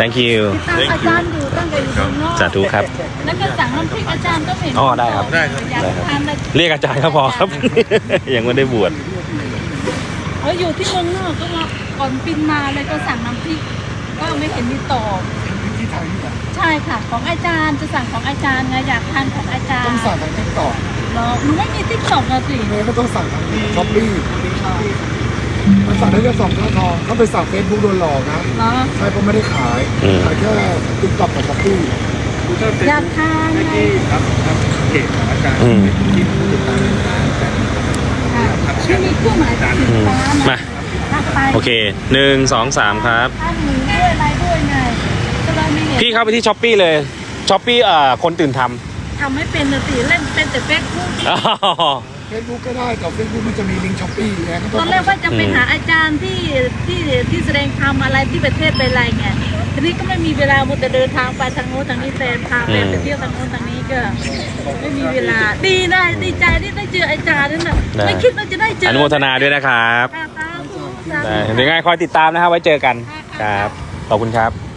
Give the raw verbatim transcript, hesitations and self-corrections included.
thank you ตามอาจารย์อยู่ตั้งแต่อยู่เมืองนอกสาธุครับแล้วก็สั่งน้ำพริกอาจารย์ก็เห็นอ๋อได้ครับได้ครับอยากทานอะไรเรียกอาจารย์ก็พอครับ ยังไม่ได้บวชเอออยู่ที่เมืองนอกก็ว่าก่อนบินมาเลยก็สั่งน้ำพริกก็ไม่เห็นมีตอบใช่ค่ะของอาจารย์จะสั่งของอาจารย์ไงอยากทานของอาจารย์ต้องสั่งทางทิกตอกเหรอหนูไม่มีติ๊กต็อกอะสิเมย์ก็ต้องสั่งทางช้อปปี้มันสั่งได้แค่สองค่าทองเขาไปสั่งเฟซบุ๊กโดนหลอกนะเหรอใช่เพราะไม่ได้ขายขายแค่ทิกตอกกับช้อปปี้อยากทานไงครับครับเพจของอาจารย์อืมที่ติดตามร้านแต่ค่ะที่มีเครื่องหมายสีฟ้ามาทักไปโอเคหนึ่งสองสามครับทานหมูด้วยอะไรด้วยไงก็เลยไม่เห็นพี่เข้าไปที่ช้อปปี้เลยช้อปปี้เอ่อคนตื่นททำไม่เป็นเลยสิเล่นเป็นแต่เฟซบุ๊กำอ๋อเฟซบุ๊กก็ได้แต่เฟซบุ๊กมันจะมีลิงก์ช้อปปี้ไงก็ตต้ออน งแรกว่าจะไปหาอาจารย์ที่ที่ที่แสดงธรรมอะไรที่ประเทศไปอะไรไงทีนี้ก็ไม่มีเวลาหมดแต่เดินทางไปทางโน้นทางนี้แฟนพาแฟนไปเที่ยวทางโน้นทางนี้ก็ไม่มีเวลาดีนะดีใจที่ได้เจออาจารย์นั่นน่ะไม่คิดว่าจะได้เจออนุโมทนาด้วยนะครับค่ะสาธุสาธุได้เดี๋ยวไงคอยติดตามนะครับไว้เจอกันครับขอบคุณครับ